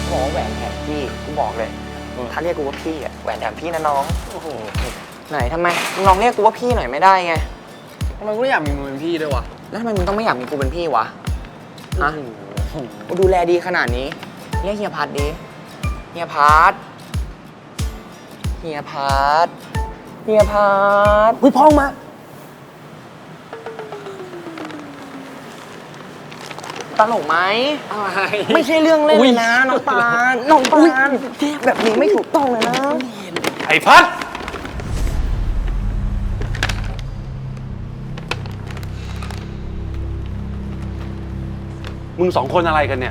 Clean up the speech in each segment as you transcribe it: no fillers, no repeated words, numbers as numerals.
บอกว่าแหวนแถมพี่กูบอกเลยถ้าเรียกกูว่าพี่อะแหวนแถมพี่นะน้องโอ้โหไหนทำไมมึงลองเรียกกูว่าพี่หน่อยไม่ได้ไงทำไมกูไม่อยากมีมึงเป็นพี่ด้วยวะแล้วทำไมมึงต้องไม่อยากมีกูเป็นพี่วะฮะกูดูแลดีขนาดนี้เรียกเฮียพัดดิเฮียพัดเฮียพัดเฮียพัดอุ้ยพ้องมาตลกไหมอะไรไม่ใช่เรื่องเล่นเลยนะน้องปานน้องปานแบบนี้ไม่ถูกต้องเลยนะไอ้พัดมึงสองคนอะไรกันเนี่ย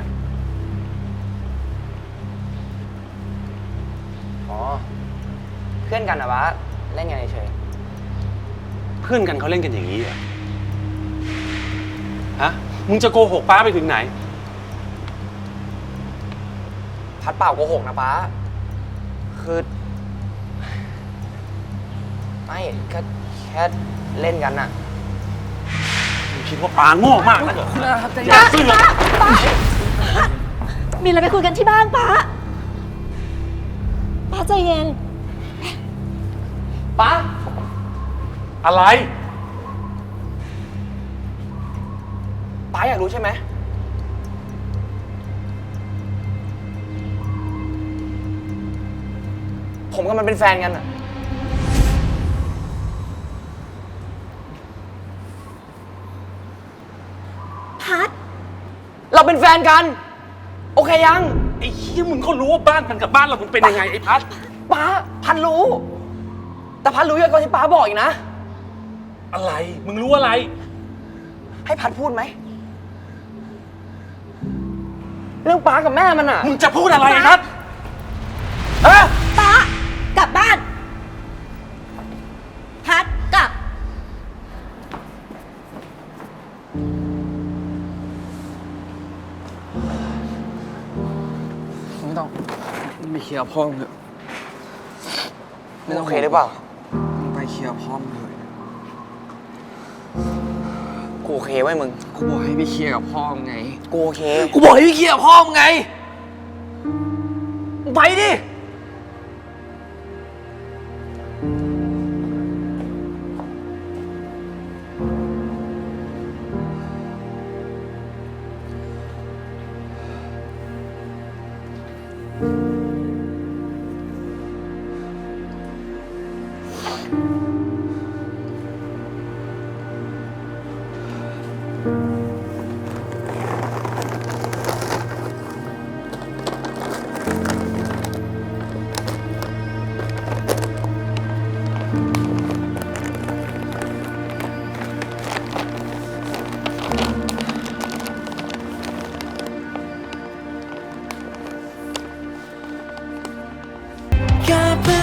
อ๋อเพื่อนกันนะวะเล่นกันเฉยเพื่อนกันเขาเล่นกันอย่างนี้เหรอฮะมึงจะโกหกป้าไปถึงไหนพัดเปล่าโกหกนะป้าคือไม่ก็แค่เล่นกันน่ะมึงคิดว่าป้าโง่มากนะเหรออย่าซื่อเลยมีอะไรไปคุยกันที่บ้านป้าใจเย็นป้าอะไรป้าอยากรู้ใช่ไหมผมกับมันเป็นแฟนกันอะพัดเราเป็นแฟนกันโอเคยังไอ้เหี้ยมึงก็รู้ว่าบ้านมันกับบ้านเรามันเป็นยังไงไอ้พัดป้าพันรู้แต่พันรู้เยอะกว่าที่ป้าบอกอีกนะอะไรมึงรู้อะไรให้พัดพูดไหมเรื่องป้ากับแม่มันอะมึงจะพูดอะไรไอ้พัดป้ากลับบ้านพัดกลับไม่ต้องไปเคลียร์พ่อมึงเถอะมึงโอเคหรือเปล่ามึงไปเคลียร์พ่อมึงเถอะกูโอเคไว้มึงกูบอกให้ไปเคลียร์กับพ่อมึงไงกูโอเคกูบอกให้ไปเคลียร์กับพ่อมึงไงไปดิอย่าไป